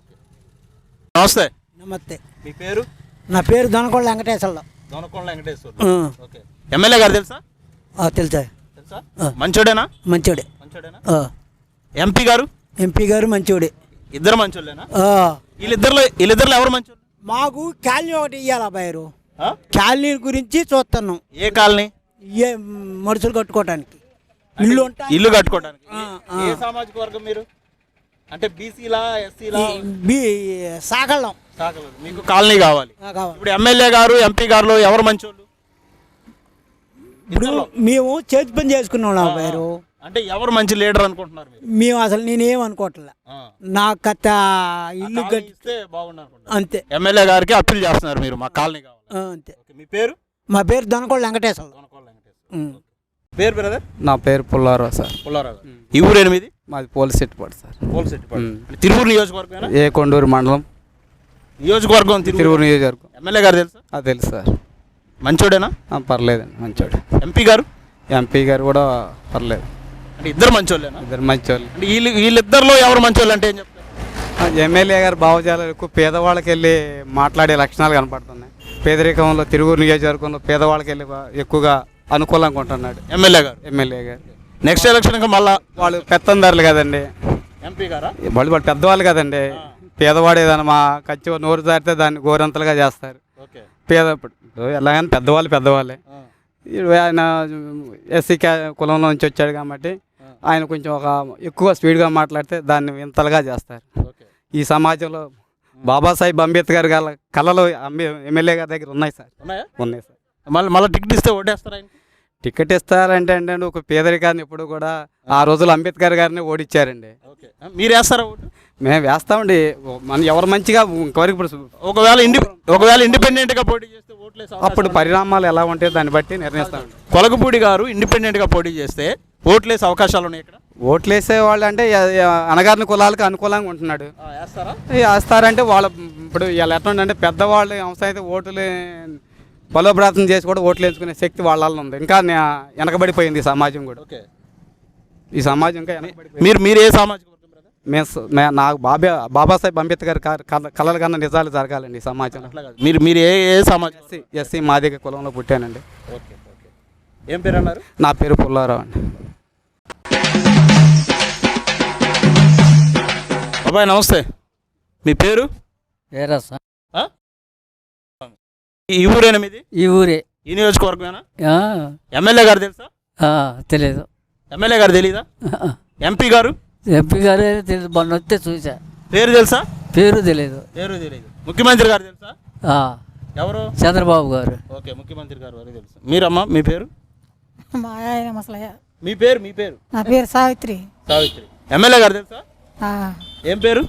Speaker 1: నమస్తే.
Speaker 4: నమస్తే.
Speaker 1: మీ పేరు?
Speaker 4: నా పేరు దొనకొండ వెంకటేశ్వరరావు.
Speaker 1: దొనకొండ వెంకటేశ్వరరావు. ఓకే. ఎమ్మెల్యే గారు తెలుసా?
Speaker 4: తెలుసా.
Speaker 1: తెలుసా? మంచోడేనా?
Speaker 4: మంచోడే.
Speaker 1: మంచోడేనా? ఎంపీ గారు?
Speaker 4: ఎంపీ గారు మంచోడే.
Speaker 1: ఇద్దరు మంచోళ్ళేనా? వీళ్ళిద్దరిలో వీళ్ళిద్దరిలో ఎవరు మంచోళ్ళు?
Speaker 4: మాకు కాలనీ ఒకటి ఇవ్వాలి అబ్బాయి. కాలనీ గురించి చూస్తున్నాం.
Speaker 1: ఏ కాలనీ?
Speaker 4: ఏ మనుషులు కట్టుకోవడానికి ఇల్లు ఉంటాయి.
Speaker 1: ఇల్లు కట్టుకోవడానికి. ఏ సామాజిక వర్గం మీరు? అంటే బీసీలా ఎస్సీలా?
Speaker 4: సాగలం.
Speaker 1: సాగలం. మీకు కాలనీ కావాలి. ఇప్పుడు ఎమ్మెల్యే గారు ఎంపీ గారు ఎవరు మంచోళ్ళు?
Speaker 4: ఇప్పుడు మేము చేతి పని చేసుకున్నాం అబ్బాయి.
Speaker 1: అంటే ఎవరు మంచి లీడర్ అనుకుంటున్నారు?
Speaker 4: మేము అసలు నేనేం అనుకోవట్లే. నా కథ ఇల్లు
Speaker 1: కట్టిస్తే బాగుండు అనుకుంటున్నారు.
Speaker 4: అంతే.
Speaker 1: ఎమ్మెల్యే గారికి అప్పీల్ చేస్తున్నారు మీరు, మా కాలనీ కావాలి.
Speaker 4: అంతే.
Speaker 1: మీ పేరు?
Speaker 4: మా పేరు దొనకొండ వెంకటేశ్వర.
Speaker 1: పేరు బ్రదర్?
Speaker 9: నా పేరు పుల్లారావు సార్.
Speaker 1: పుల్లారావు. ఈ ఊరు ఎనిమిది.
Speaker 9: మాది పోలిసెట్టిపాడు సార్.
Speaker 1: పోలిసెట్టిపాడు. తిరువురు నియోజకవర్గం.
Speaker 9: ఏ కొండూరు మండలం
Speaker 1: నియోజకవర్గం.
Speaker 9: తిరువురు నియోజకవర్గం.
Speaker 1: ఎమ్మెల్యే గారు తెలుసా?
Speaker 9: అది తెలుసు సార్.
Speaker 1: మంచోడేనా?
Speaker 9: పర్లేదండి. మంచోడు.
Speaker 1: ఎంపీ గారు?
Speaker 9: ఎంపీ గారు కూడా పర్లేదు.
Speaker 1: అంటే ఇద్దరు మంచోళ్ళేనా?
Speaker 9: ఇద్దరు మంచోళ్ళు.
Speaker 1: అంటే వీళ్ళు వీళ్ళిద్దరిలో ఎవరు మంచోళ్ళు అంటే ఏం చెప్తారు?
Speaker 9: ఎమ్మెల్యే గారు భావజాలాలు ఎక్కువ పేదవాళ్ళకి వెళ్ళి మాట్లాడే లక్షణాలు కనపడుతున్నాయి. పేదరికంలో తిరువురు నియోజకవర్గంలో పేదవాళ్ళకి వెళ్ళి ఎక్కువగా అనుకూలంగా ఉంటున్నాడు ఎమ్మెల్యే గారు. ఎమ్మెల్యే గారు
Speaker 1: నెక్స్ట్ ఎలక్షన్ మళ్ళీ
Speaker 9: వాళ్ళు పెత్తందారులు కదండి.
Speaker 1: ఎంపీ గారా?
Speaker 9: వాళ్ళు వాళ్ళు పెద్దవాళ్ళు కదండి. పేదవాడు ఏదైనా మా ఖర్చు నోరు దాటితే దాన్ని గోరంతలుగా చేస్తారు. పేద ఎలాగైనా పెద్దవాళ్ళు పెద్దవాళ్ళే. ఆయన ఎస్సీ క్యా కులంలో నుంచి వచ్చాడు కాబట్టి ఆయన కొంచెం ఒక ఎక్కువ స్పీడ్గా మాట్లాడితే దాన్ని ఇంతలుగా చేస్తారు. ఈ సమాజంలో బాబాసాహెబ్ అంబేద్కర్ గారి కళలు ఎమ్మెల్యే గారి దగ్గర ఉన్నాయి సార్. ఉన్నాయి సార్.
Speaker 1: మళ్ళీ మళ్ళీ టికెట్ ఇస్తే ఓటేస్తారా?
Speaker 9: టికెట్ ఇస్తారంటే అంటే ఒక పేదరికాన్ని ఎప్పుడు కూడా ఆ రోజులు అంబేద్కర్ గారిని ఓడిచ్చారండి.
Speaker 1: మీరు వేస్తారా ఓటు?
Speaker 9: మేము వేస్తామండి. మన ఎవరు మంచిగా ఇంతవరకు ఇప్పుడు
Speaker 1: ఒకవేళ ఇండి ఒకవేళ ఇండిపెండెంట్గా పోటీ చేస్తే ఓట్లు
Speaker 9: అప్పుడు పరిణామాలు ఎలా ఉంటాయో దాన్ని బట్టి నిర్ణయిస్తామండి.
Speaker 1: కొలగపూడి గారు ఇండిపెండెంట్గా పోటీ చేస్తే ఓట్లేసే అవకాశాలు ఉన్నాయి ఇక్కడ?
Speaker 9: ఓట్లేసే వాళ్ళు అంటే అనగారిన కులాలకు అనుకూలంగా ఉంటున్నాడు. వేస్తారంటే వాళ్ళ ఇప్పుడు ఇలా ఎట్లా అంటే పెద్దవాళ్ళు అంశం అయితే ఓటులు బలోపేతం చేసి కూడా ఓట్లు వేసుకునే శక్తి వాళ్ళ ఉంది. ఇంకా వెనకబడిపోయింది సమాజం కూడా. ఈ సమాజం ఇంకా వెనకబడిపోయింది.
Speaker 1: మీరు మీరు ఏ సామాజిక వర్గం బ్రదర్?
Speaker 9: మేము స- మే- నాకు బాబా బాబాసాహేబ్ అంబేద్కర్ క- కల- కలల కన్నా నిజాలు జరగాలండి ఈ సమాజంలో.
Speaker 1: అట్లా కాదు. మీరు మీరు ఏ ఏ సామాజిక
Speaker 9: ఎస్సీ ఎస్సీ మాదిగ కులంలో పుట్టానండి.
Speaker 1: Okay okay. ఏం పేరు అన్నారు?
Speaker 9: నా పేరు పుల్లారావు అండి.
Speaker 1: బాబాయ్ నమస్తే, మీ పేరు?
Speaker 5: ఏరా సార్
Speaker 1: ఆ? ఈ ఊరేనా మీది?
Speaker 5: ఈ ఊరే.
Speaker 1: ఈ నియోజకవర్గమేనా?
Speaker 5: ఆ,
Speaker 1: ఎమ్మెల్యే గారు తెలుసా?
Speaker 5: ఆ, తెలియదు.
Speaker 1: ఎమ్మెల్యే గారు తెలీదా? ఎంపీ గారు
Speaker 5: ఎంపీ గారే తెలియదు, మొన్న వస్తే చూసా.
Speaker 1: పేరు తెలుసా?
Speaker 5: పేరు తెలియదు.
Speaker 1: పేరు తెలియదు. ముఖ్యమంత్రి గారు తెలుసా?
Speaker 5: ఆ,
Speaker 1: ఎవరు?
Speaker 5: చంద్రబాబు గారు.
Speaker 1: ఓకే, ముఖ్యమంత్రి గారు వరకు తెలుసు. మీరమ్మా మీ పేరు?
Speaker 10: మా ఆయన మసలయ్య.
Speaker 1: మీ పేరు మీ పేరు?
Speaker 10: నా పేరు సావిత్రి.
Speaker 1: సావిత్రి. ఎమ్మెల్యే గారు తెలుసా? ఏం పేరు?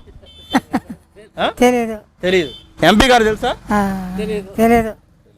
Speaker 1: ఆ?
Speaker 10: తెలియదు.
Speaker 1: తెలీదు. ఎంపీ గారు తెలుసా?
Speaker 10: తెలియదు.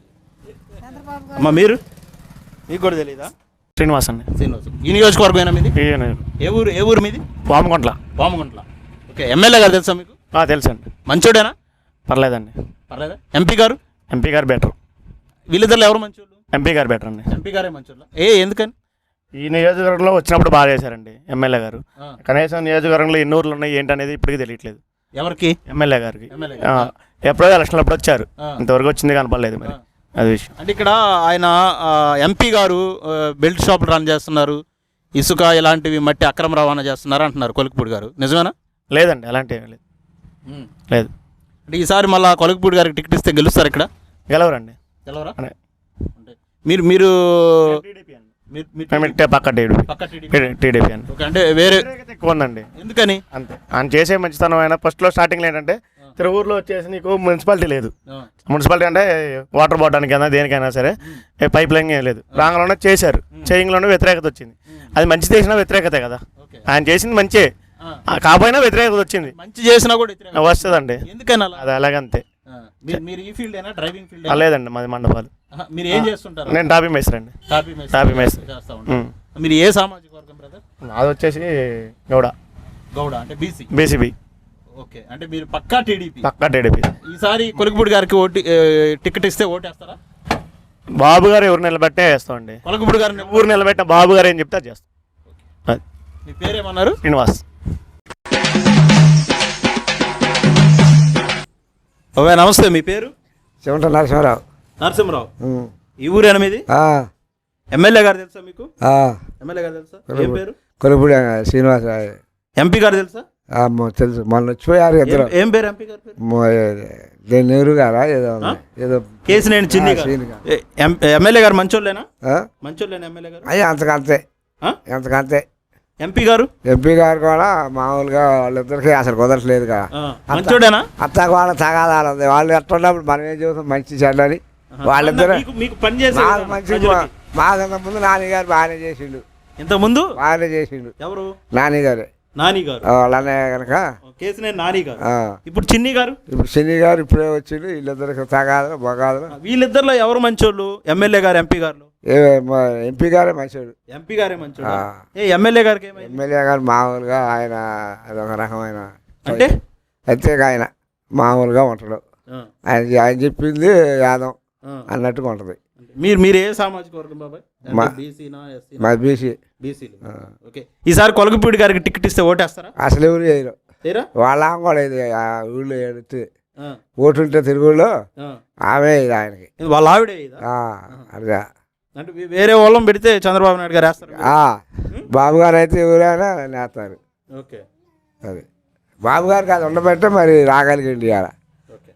Speaker 1: అమ్మా మీరు? మీకు కూడా తెలీదా?
Speaker 6: శ్రీనివాస్ అండి.
Speaker 1: శ్రీనివాస్. ఈ నియోజకవర్గమేనా మీది? ఏ ఊరు ఏ ఊరు మీది?
Speaker 6: వామగుంట్ల.
Speaker 1: వామగుంట్ల. ఓకే, ఎమ్మెల్యే గారు తెలుసా మీకు?
Speaker 6: తెలుసు అండి.
Speaker 1: మంచోడేనా?
Speaker 6: పర్లేదండి.
Speaker 1: పర్లేదా? ఎంపీ గారు?
Speaker 6: ఎంపీ గారు బెటర్.
Speaker 1: వీళ్ళిద్దరు ఎవరు మంచోళ్ళు?
Speaker 6: ఎంపీ గారు బెటర్ అండి.
Speaker 1: ఎంపీ గారే మంచోళ్ళ. ఏ ఎందుకని?
Speaker 6: ఈ నియోజకవర్గంలో వచ్చినప్పుడు బాగా చేశారండి ఎమ్మెల్యే గారు. కనీసం నియోజకవర్గంలో ఎన్ని ఊర్లు ఉన్నాయి ఏంటనేది ఇప్పటికీ తెలియట్లేదు.
Speaker 1: ఎవరికి?
Speaker 6: ఎమ్మెల్యే గారికి.
Speaker 1: ఎమ్మెల్యే
Speaker 6: ఆ, ఎప్పుడో ఎలక్షన్లు అప్పుడు వచ్చారు, ఇంతవరకు వచ్చింది కనపడలేదు. మరి అది విషయం.
Speaker 1: అంటే ఇక్కడ ఆయన ఎంపీ గారు ఆ, బెల్ట్ షాపులు రన్ చేస్తున్నారు, ఇసుక ఇలాంటివి మట్టి అక్రమ రవాణా చేస్తున్నారు అంటున్నారు కొలికపూడి గారు. నిజమేనా?
Speaker 6: లేదండి, అలాంటి ఏమీ లేదు. లేదు.
Speaker 1: అంటే ఈసారి మళ్ళీ కొలికపూడి గారికి టికెట్ ఇస్తే గెలుస్తారు ఇక్కడ?
Speaker 6: గెలవరండి.
Speaker 1: గెలవరా?
Speaker 6: అనే.
Speaker 1: అంటే మీరు మీరు మీరు- మీరు
Speaker 6: మేము ఇట్టే పక్క టీడీపీ.
Speaker 1: పక్క టీడీపీ.
Speaker 6: టీడీపీ అండి.
Speaker 1: ఓకే, అంటే వేరే
Speaker 6: ఎక్కువ ఉందండి.
Speaker 1: ఎందుకని?
Speaker 6: అంతే, ఆయన చేసే మంచితనం. ఆయన ఫస్ట్లో స్టార్టింగ్లో ఏంటంటే తిరువూరులో వచ్చేసి నీకు మున్సిపాలిటీ లేదు. మున్సిపాలిటీ అంటే వాటర్ పోవడానికైనా దేనికైనా సరే పైప్ లైన్ ఏం లేదు. రాంగంలోనే చేశారు, చేయింగ్లోనే వ్యతిరేకత వచ్చింది. అది మంచి చేసినా వ్యతిరేకతే కదా. ఆయన చేసింది మంచి కాకపోయినా వ్యతిరేకత వచ్చింది.
Speaker 1: మంచి చేసినా కూడా వ్యతిరేకత
Speaker 6: వస్తుందండి.
Speaker 1: ఎందుకని అలా?
Speaker 6: అది అలాగంతే.
Speaker 1: మీరు- మీరు ఈ ఫీల్డ్ అయినా డ్రైవింగ్ ఫీల్డ్?
Speaker 6: లేదండి, మాది మండపాలు.
Speaker 1: మీరు ఏం చేస్తుంటారు?
Speaker 6: నేను టాపీ మేస్త్రి అండి.
Speaker 1: టాపీ మేస్త్రి
Speaker 6: టాపీ మేస్త్రి.
Speaker 1: చేస్తా ఉంటారు. మీరు ఏ సామాజిక వర్గం బ్రదర్?
Speaker 6: అది వచ్చేసి గౌడ.
Speaker 1: గౌడ అంటే బీసీ.
Speaker 6: బీసీబీ.
Speaker 1: ఓకే, అంటే మీరు పక్కా టీడీపీ.
Speaker 6: పక్కా టీడీపీ.
Speaker 1: ఈసారి కొలికపూడి గారికి ఓటు టికెట్ ఇస్తే ఓటేస్తారా?
Speaker 6: బాబు గారు ఎవరు నిలబెట్టే వేస్తామండి.
Speaker 1: కొలికపూడి గారిని
Speaker 6: ఊరు నిలబెట్టిన బాబు గారు ఏం చెప్తే అది చేస్తాం. అది.
Speaker 1: మీ పేరేమన్నారు?
Speaker 6: శ్రీనివాస్.
Speaker 1: ఓవే నమస్తే, మీ పేరు?
Speaker 13: చెమట నరసింహరావు.
Speaker 1: నరసింహరావు. ఈ ఊరు ఎనిమిది. ఎమ్మెల్యే గారు తెలుసా మీకు? ఎమ్మెల్యే గారు తెలుసా? ఏం పేరు?
Speaker 13: కొలుపుడి శ్రీనివాస.
Speaker 1: ఎంపీ గారు తెలుసా?
Speaker 13: తెలుసు, మొన్న వచ్చిపోయారు ఇద్దరు.
Speaker 1: ఏం పేరు ఎంపీ గారి పేరు?
Speaker 13: నెహ్రూ గారా ఏదో ఉంది. ఏదో
Speaker 1: కేసినేని చిన్ని గారు.
Speaker 13: శ్రీని గారు.
Speaker 1: ఏ- ఎం- ఎమ్మెల్యే గారు మంచోళ్ళేనా? మంచోళ్ళేనా ఎమ్మెల్యే గారు?
Speaker 13: అయ్యా అంతకంతే, అంతకంతే.
Speaker 1: ఎంపీ గారు?
Speaker 13: ఎంపీ గారు కూడా మామూలుగా వాళ్ళిద్దరికి అసలు కుదరట్లేదు కదా.
Speaker 1: ఆ, మంచోడేనా?
Speaker 13: అత్తకు వాళ్ళ తగాదాలు ఉంది. వాళ్ళు ఎట్టున్నప్పుడు మనం ఏం చూస్తాం, మంచి చెడ్డని. వాళ్ళిద్దరు
Speaker 1: మీకు- మీకు పని చేసే
Speaker 13: మాకు
Speaker 1: విధానం
Speaker 13: మంచి
Speaker 1: ప్రజలకి.
Speaker 13: మాకంత ముందు నాన్నగారు బాగానే చేసిండు.
Speaker 1: ఇంత ముందు
Speaker 13: బాగానే చేసిండు.
Speaker 1: ఎవరు?
Speaker 13: నాన్నగారు.
Speaker 1: నాని గారు.
Speaker 13: వాళ్ళ అన్నయ్య కనుక.
Speaker 1: కేసినేని నాని గారు.
Speaker 13: ఆ.
Speaker 1: ఇప్పుడు చిన్ని గారు?
Speaker 13: ఇప్పుడు శని గారు ఇప్పుడే వచ్చిండు. వీళ్ళిద్దరికి తగాదులు బగాదులు.
Speaker 1: వీళ్ళిద్దరిలో ఎవరు మంచోళ్ళు? ఎమ్మెల్యే గారు ఎంపీ గారు?
Speaker 13: ఏ ఎంపీ గారే మంచోడు.
Speaker 1: ఎంపీ గారే మంచోడు. ఏ ఎమ్మెల్యే గారికి ఏమైంది?
Speaker 13: ఎమ్మెల్యే గారు మామూలుగా ఆయన అదొక రకమైన
Speaker 1: అంటే
Speaker 13: ప్రత్యేక ఆయన మామూలుగా ఉంటాడు.
Speaker 1: ఆ.
Speaker 13: ఆయన ఆయన చెప్పింది యాదం
Speaker 1: ఆ.
Speaker 13: అన్నట్టుగా ఉంటుంది.
Speaker 1: మీరు మీరు ఏ సామాజిక వర్గం బాబాయ్?
Speaker 13: మా
Speaker 1: బీసీనా ఎస్సీ?
Speaker 13: మా బీసీ.
Speaker 1: బీసీలు. ఓకే, ఈసారి కొలగపూడి గారికి టికెట్ ఇస్తే ఓటేస్తారా?
Speaker 13: అసలు ఎవరు చేయరు.
Speaker 1: లేరా?
Speaker 13: వాళ్ళ ఆమె కూడా ఇది ఆ ఊళ్ళో ఎడితే
Speaker 1: ఆ.
Speaker 13: ఓటుంటే తిరుగుళ్ళు
Speaker 1: ఆ.
Speaker 13: ఆమె ఇది ఆయనకి.
Speaker 1: ఇది వాళ్ళ ఆవిడే ఇదా?
Speaker 13: ఆ, అదే.
Speaker 1: అంటే వే- వేరే వాళ్ళం పెడితే చంద్రబాబు నాయుడు గారు వేస్తారు.
Speaker 13: ఆ, బాబు గారు అయితే ఎవరైనా నేస్తారు.
Speaker 1: ఓకే.
Speaker 13: అది బాబు గారికి అది ఉండబట్టే మరి రాగలిగిండి ఇవాళ.
Speaker 1: ఓకే.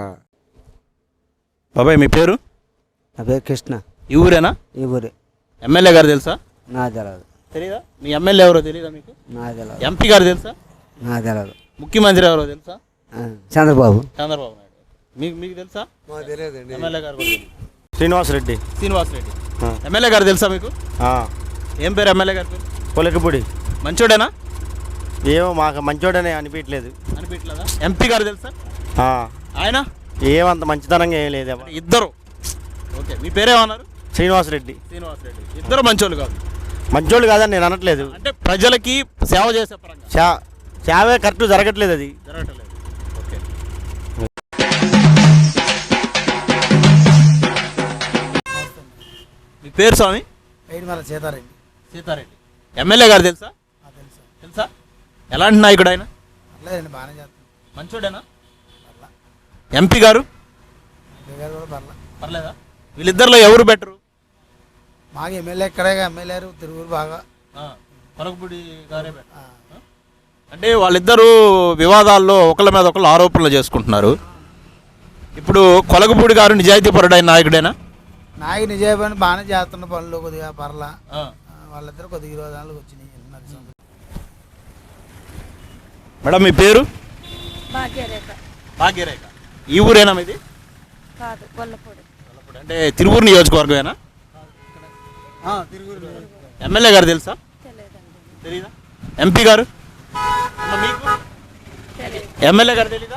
Speaker 1: బాబాయ్ మీ పేరు?
Speaker 5: నా పేరు కృష్ణ.
Speaker 1: ఈ ఊరేనా?
Speaker 5: ఈ ఊరే.
Speaker 1: ఎమ్మెల్యే గారు తెలుసా?
Speaker 5: నా తెలియదు.
Speaker 1: తెలీదా? మీ ఎమ్మెల్యే ఎవరో తెలీదా మీకు?
Speaker 5: నా తెలియదు.
Speaker 1: ఎంపీ గారు తెలుసా?
Speaker 5: నా తెలియదు.
Speaker 1: ముఖ్యమంత్రి ఎవరో తెలుసా?
Speaker 5: చంద్రబాబు.
Speaker 1: చంద్రబాబు నాయుడు. మీకు మీకు తెలుసా?
Speaker 13: తెలియదండి.
Speaker 1: ఎమ్మెల్యే గారు కూడా తెలీదు.
Speaker 6: శ్రీనివాస్ రెడ్డి.
Speaker 1: శ్రీనివాస్ రెడ్డి. ఎమ్మెల్యే గారు తెలుసా మీకు? ఏం పేరు ఎమ్మెల్యే గారి పేరు?
Speaker 6: కొలికపూడి.
Speaker 1: మంచోడేనా?
Speaker 6: ఏమో మాకు మంచోడనే అనిపించలేదు.
Speaker 1: అనిపించలేదా? ఎంపీ గారు తెలుసా? ఆయన
Speaker 6: ఏమంత మంచితనంగా ఏం లేదు.
Speaker 1: ఇద్దరు. ఓకే, మీ పేరేమన్నారు?
Speaker 6: శ్రీనివాస్ రెడ్డి.
Speaker 1: శ్రీనివాస్ రెడ్డి. ఇద్దరు మంచోళ్ళు కాదు.
Speaker 6: మంచోళ్ళు కాదని నేను అనట్లేదు.
Speaker 1: అంటే ప్రజలకి సేవ చేసే పరంగా
Speaker 6: చా చావే కరెక్ట్ జరగట్లేదు, అది
Speaker 1: జరగట్లేదు. ఓకే. మీ పేరు స్వామి?
Speaker 5: సీతారెడ్డి.
Speaker 1: సీతారెడ్డి. ఎమ్మెల్యే గారు తెలుసా తెలుసా ఎలాంటి నాయకుడు ఆయన
Speaker 13: బాగానే చేస్తాను
Speaker 1: మంచోడేనా ఎంపీ గారు పర్లేదా వీళ్ళిద్దరిలో ఎవరు బెటరు
Speaker 13: మాకు ఎమ్మెల్యే ఇక్కడే ఎమ్మెల్యే తిరుగురు బాగా
Speaker 1: కొలకపూడి గారే better. అంటే వాళ్ళిద్దరూ వివాదాల్లో ఒకళ్ళ మీద ఒకళ్ళు ఆరోపణలు చేసుకుంటున్నారు. ఇప్పుడు కొలకపూడి గారు నిజాయితీపరుడైన నాయకుడేనా?
Speaker 13: నాయకు నిజాయితీ బాగానే చేస్తున్న పనులు కొద్దిగా పర్లా వాళ్ళిద్దరు కొద్దిగా ఇరవై దానికి వచ్చినాయి.
Speaker 1: మేడం మీ పేరు?
Speaker 5: భాగ్యరేఖ.
Speaker 1: భాగ్యరేఖ. ఈ ఊరేనా మీది?
Speaker 5: కాదు, కొల్లపూడి.
Speaker 1: అంటే తిరువూరు నియోజకవర్గమేనా? ఎమ్మెల్యే గారు తెలుసా? తెలీదా? ఎంపీ గారు? మీకు ఎమ్మెల్యే గారు తెలీదా?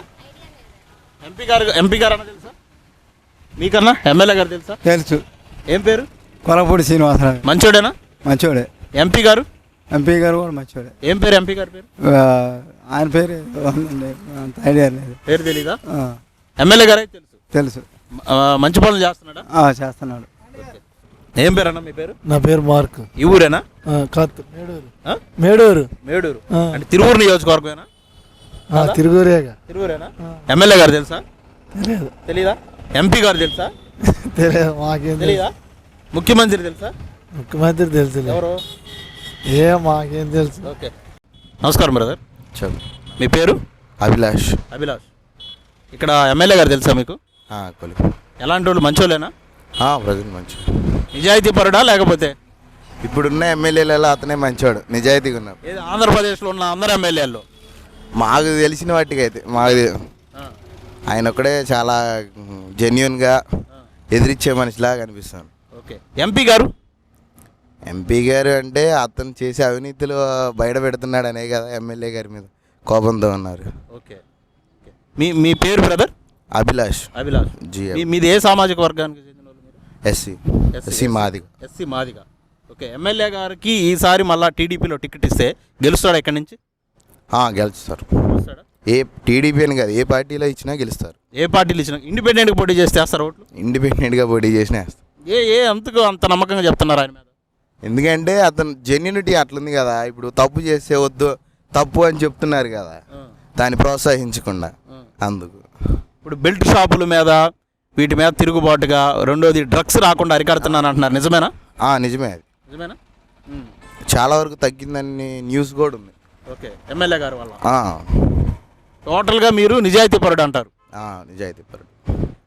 Speaker 1: ఎంపీ గారు ఎంపీ గారు అన్న తెలుసా మీకన్నా? ఎమ్మెల్యే గారు తెలుసా?
Speaker 13: తెలుసు.
Speaker 1: ఏం పేరు?
Speaker 13: కొలపూడి శ్రీనివాసరావు.
Speaker 1: మంచోడేనా?
Speaker 13: మంచోడే.
Speaker 1: ఎంపీ గారు?
Speaker 13: ఎంపీ గారు కూడా మంచోడే.
Speaker 1: ఏం పేరు ఎంపీ గారి పేరు?
Speaker 13: ఆయన పేరు ఐడియా లేదు.
Speaker 1: పేరు తెలీదా? ఎమ్మెల్యే గారు అయితే తెలుసు.
Speaker 13: తెలుసు.
Speaker 1: మంచి పనులు చేస్తున్నాడా?
Speaker 13: చేస్తున్నాడు.
Speaker 1: ఏం పేరు అన్న మీ పేరు?
Speaker 13: నా పేరు మార్క్.
Speaker 1: ఈ ఊరేనా?
Speaker 13: కాదు, మేడూరు. మేడూరు.
Speaker 1: మేడూరు అంటే తిరువూరు నియోజకవర్గమేనా?
Speaker 13: తిరుగురేగా.
Speaker 1: తిరువూరేనా? ఎమ్మెల్యే గారు తెలుసా?
Speaker 13: తెలియదు.
Speaker 1: తెలీదా? ఎంపీ గారు తెలుసా?
Speaker 13: తెలియదు. మాకేం
Speaker 1: తెలీదా? ముఖ్యమంత్రి తెలుసా?
Speaker 13: ముఖ్యమంత్రి తెలుసు.
Speaker 1: ఎవరు?
Speaker 13: ఏ మాకేం తెలుసు.
Speaker 1: ఓకే, నమస్కారం బ్రదర్.
Speaker 12: చెప్పు.
Speaker 1: మీ పేరు?
Speaker 12: అభిలాష్.
Speaker 1: అభిలాష్. ఇక్కడ ఎమ్మెల్యే గారు తెలుసా మీకు?
Speaker 12: కొలిపి.
Speaker 1: ఎలాంటి వాళ్ళు? మంచోళ్ళేనా?
Speaker 12: ప్రజలు మంచి
Speaker 1: నిజాయితీ పరుడా లేకపోతే?
Speaker 12: ఇప్పుడున్న ఎమ్మెల్యేలలో అతనే మంచివాడు, నిజాయితీగా ఉన్నాడు.
Speaker 1: ఏది ఆంధ్రప్రదేశ్లో ఉన్న అందరు ఎమ్మెల్యేల్లో?
Speaker 12: మాకు తెలిసిన వాటికి అయితే మాకు ఆయన ఒక్కడే చాలా జెన్యున్గా ఎదిరించే మనిషిలాగా కనిపిస్తాను.
Speaker 1: ఓకే, ఎంపీ గారు?
Speaker 12: ఎంపీ గారు అంటే అతను చేసే అవినీతులు బయట పెడుతున్నాడు అనే కదా ఎమ్మెల్యే గారి మీద కోపంతో ఉన్నారు.
Speaker 1: ఓకే, మీ మీ పేరు బ్రదర్?
Speaker 12: అభిలాష్.
Speaker 1: అభిలాష్.
Speaker 12: జీ.
Speaker 1: మీది ఏ సామాజిక వర్గానికి చెందిన వాళ్ళు మీరు?
Speaker 12: SC. SC Madiga.
Speaker 1: SC Madiga. Okay, MLA గారికి ఈసారి మళ్ళీ టీడీపీలో టికెట్ ఇస్తే గెలుస్తాడా ఇక్కడి నుంచి?
Speaker 12: గెలుస్తారు. ఏ టీడీపీ అని కాదు, ఏ పార్టీలో ఇచ్చినా గెలుస్తారు.
Speaker 1: ఏ పార్టీలు ఇచ్చినా? ఇండిపెండెంట్గా పోటీ చేస్తే వేస్తారు ఓట్లు?
Speaker 12: ఇండిపెండెంట్గా పోటీ చేసినా వేస్తారు.
Speaker 1: ఏ ఏ అంతకు అంత నమ్మకంగా చెప్తున్నారు ఆయన మీద?
Speaker 12: ఎందుకంటే అతను జెన్యునిటీ అట్లుంది కదా. ఇప్పుడు తప్పు చేస్తే వద్దు, తప్పు అని చెప్తున్నారు కదా, దాన్ని ప్రోత్సహించకుండా. అందుకు
Speaker 1: ఇప్పుడు బెల్ట్ షాపుల మీద వీటి మీద తిరుగుబాటుగా, రెండోది డ్రగ్స్ రాకుండా అరికడుతున్నాను అంటున్నారు, నిజమేనా?
Speaker 12: నిజమే. అది
Speaker 1: నిజమేనా?
Speaker 12: చాలా వరకు తగ్గిందని న్యూస్ కూడా ఉంది.
Speaker 1: ఓకే, ఎమ్మెల్యే గారు వల్ల. టోటల్గా మీరు నిజాయితీ పరుడు అంటారు?
Speaker 12: నిజాయితీ పరుడు.